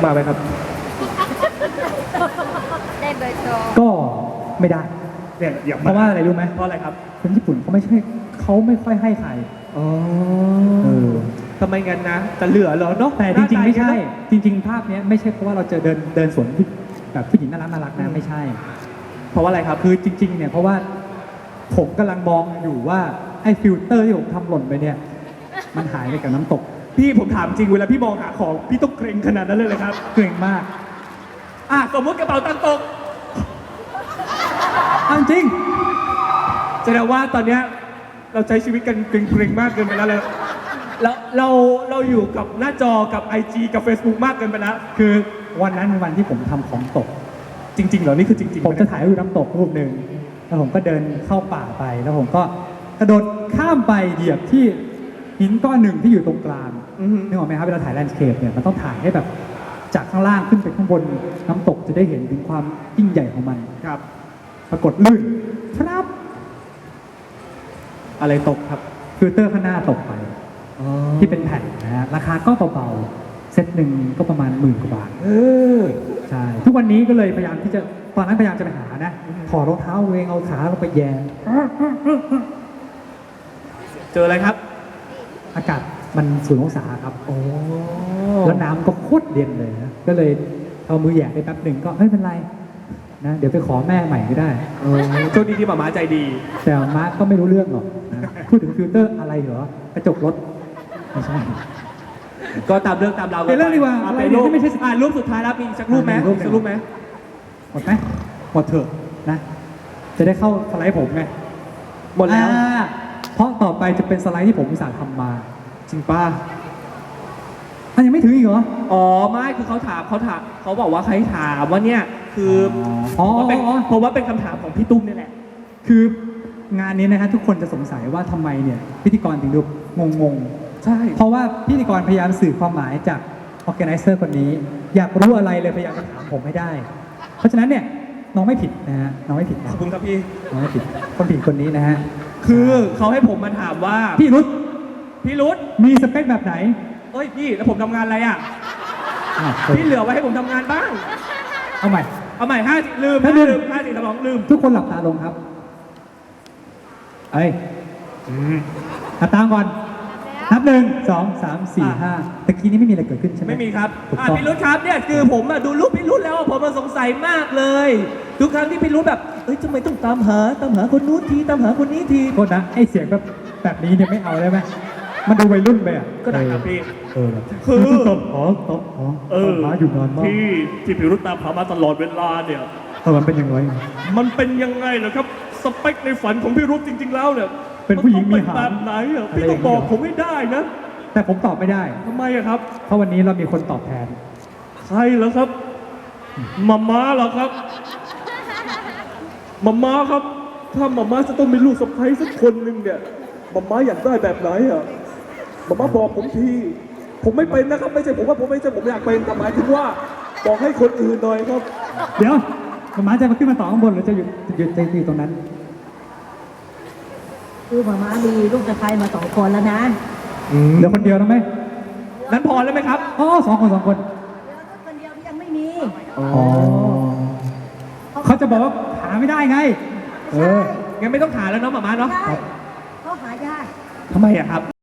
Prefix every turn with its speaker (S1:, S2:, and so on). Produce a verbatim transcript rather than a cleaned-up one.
S1: มาไหมครับ
S2: ได้เบอร์โทร
S3: ก็ไม่ได้
S1: เนี่ยอย่า
S3: เพราะว่าอะไรรู้ไหม
S1: เพราะอะไรครับ
S3: คนญี่ปุ่นเขาไม่ใช่เขาไม่ค่อยให้ใคร
S1: อ๋อ
S3: เออ
S1: ทำไมงั้นนะจะเหลือเหรอเนาะ
S3: แต่จริงๆไม่ใช่จริงๆภาพนี้ไม่ใช่เพราะว่าเราเจอเดินเดินสวนแบบผู้หญิงน่ารักน่ารักนะไม่ใช่
S1: เพราะว่าอะไรครับ
S3: คือจริงๆเนี่ยเพราะว่าผมกำลังมองอยู่ว่าไอ้ฟิลเตอร์ที่ผมทำหล่นไปเนี่ยมันหายไปกับน้ำตก
S1: พี่ผมถามจริงเวลาพี่มองหาของพี่ต้องเกรงขนาดนั้นเลยเลยครับ
S3: เกรงมาก
S1: อ่ะสมมติกระเป๋าตังค์ตก
S3: จริง
S1: แสดงว่าตอนเนี้ยเราใช้ชีวิตกันเกรงๆมากเกินไปแล้วเลยแล้วเราเราอยู่กับหน้าจอกับ ไอ จี กับ Facebook มากเกินไปแล้ว
S3: คือวันนั้นเป็นวันที่ผมทำของตก
S1: จริงๆเหรอนี่คือจริงๆ
S3: ผมจะถ่ายรูปน้ำตกรูปหนึ่งแล้วผมก็เดินเข้าป่าไปแล้วผมก็กระโดดข้ามไปเหยียบที่หินก้อนหนึ่งที่อยู่ตรงกลางนึกออกไหมครับเวลาถ่ายแลนด์สเคปเนี่ยมันต้องถ่ายให้แบบจากข้างล่างขึ้นไปข้างบนน้ำตกจะได้เห็นถึงความยิ่งใหญ่ของมัน
S1: ครับ
S3: ปรากฏลื่นครับ
S1: อะไรตกครับ
S3: ฟิลเตอร์ข้างหน้าตกไปที่เป็นแผ่นนะฮะราคาก็เบาๆเซตหนึ่งก็ประมาณหมื่นกว่าบาทใช่ทุกวันนี้ก็เลยพยายามที่จะตอนนั้นพยายามจะไปหานะถอดรองเท้าเองเอาขาลงไปแย่
S1: เจออะไรครับ
S3: อากาศมันศูนย์องศาครับโอ้แล้วน้ำก็โคตรเย็นเลยนะก็เลยเอามือแหย่ไปแป๊บหนึ่งก็ไม่เป็นไรนะเดี๋ยวไปขอแม่ใหม่ก็ได้
S1: โชคดีที่หมาม้าใจดี
S3: แต่ม้าก็ไม่รู้เรื่องหรอกนะพูดถึงฟิลเตอร์อะไรเหรอกระจกรถไม่ใช่
S1: ก็ตามเรื่องตามเรา
S3: เป็นเรื่องดีกว่า
S1: อะไรที่ไม่ใช่อ่ารูปสุดท้ายแล้วมีสักรูปไหมสักรูปไหม
S3: หมดไหมหมดเถอะนะจะได้เข้าสไลด์ผมไง
S1: หมดแล้ว
S3: เพราะต่อไปจะเป็นสไลด์ที่ผมอุตส่าห์ทำมา
S1: จริงป้า
S3: อันยังไม่ถึงอีกเหรอ
S1: อ๋อไม่คือเขาถามเขาถามเขาบอกว่าใครถามว่าเนี่ยคือ
S3: อ๋อ
S1: เพราะว่าเป็นคำถามของพี่ตุ้มนี่แหละ
S3: คืองานนี้นะฮะทุกคนจะสงสัยว่าทำไมเนี่ยพิธีกรถึงดูงง
S1: ๆใช่
S3: เพราะว่าพิธีกรพยายามสื่อความหมายจาก organizer คนนี้อยากรู้อะไรเลยพยายามจะถามผมให้ได้เพราะฉะนั้นเนี่ยน้องไม่ผิดนะฮะน้องไม่ผิด
S1: ขอบคุณครับพี่
S3: น้องไม่ผิดคนผิดคนนี้นะฮะ
S1: คือเขาให้ผมมาถามว่า
S3: พี่รุธ
S1: พี่รุธ
S3: มีสเปคแบบไหน
S1: เอ้ยพี่แล้วผมทำงานอะไรอ่ะพี่เหลือไว้ให้ผมทำงานบ้าง
S3: เอาใหม่
S1: เอาใหม่ห้าลืมลืมห้าสี่สมองลืม
S3: ทุกคนหลับตาลงครับเอ้ยหลับตาก่อนนับหนึ่งสองสามสี่ห้าตะกี้นี้ไม่มีอะไรเกิดขึ้นใช่ไหม
S1: ไม่มีครับพี่รุธครับเนี่ยคือผมดูรูปพี่รุธแล้วผมสงสัยมากเลยทุกครั้งที่พี่รุธแบบเอ้ยทำไมต้องตามหาตามหาคนนู้นทีตามหาคนนี้ที
S3: โทษนะไอเสียงแบบแบบนี้เนี่ยไม่เอาได้ไหมมันดูวัยรุ่นไปอ่ะ
S1: ก็ได้ครับพี่
S3: เออ
S1: คือ
S3: ตบหอตบหอเออหาอยู่นานมาก
S1: ที่ที่พี่รุธตามหามาตลอดเวลาเนี่ย
S3: เออมันเป็นยังไง
S1: มันเป็นยังไงเหรอครับสเปคในฝันของพี่รุธจริงๆแล้วเนี่ย
S3: เป็นผู้หญิงมีหาง
S1: แบบไหนอ่ะพี่ต้องบอกผมให้ได้นะ
S3: แต่ผมตอบไม่ได้
S1: ทำไมอะครับ
S3: เพราะวันนี้เรามีคนตอบแทน
S1: ใครเหรอครับมาม่าเหรอครับมาม่าครับถ้ามาม่าจะต้องมีลูกสะใภ้สักคนหนึ่งเนี่ยมาม่าอยากได้แบบไหนอ่ะมาม่าบอกผมทีผมไม่เป็นนะครับไม่ใช่ผมว่าผมไม่ใช่ผมอยากเป็นแต่หมายถึงว่าบอกให้คนอื่นหน่อยครับ
S3: เดี๋ยวมาม่าจะมาขึ้นมาต่อข้างบนหรือจะอยู่อยู่ใจตีตรงนั้น
S2: คือมาม่ามีลูกสะใภ้มาสองคนแล้วนะ
S3: เหลือคนเดียวนะไหม
S1: นั้นพอแล้วไหมครับ
S3: อ๋อสองคนสองคน
S2: คนเดียวที่ยังไม่มี
S3: อ๋อเขาจะบอกว่าหาไม่ได้ไง
S2: เออ
S1: งั้นไม่ต้องหาแล้วเนาะหมาม่าเนาะ
S2: เขาหายาก
S1: ทำไมอะครับ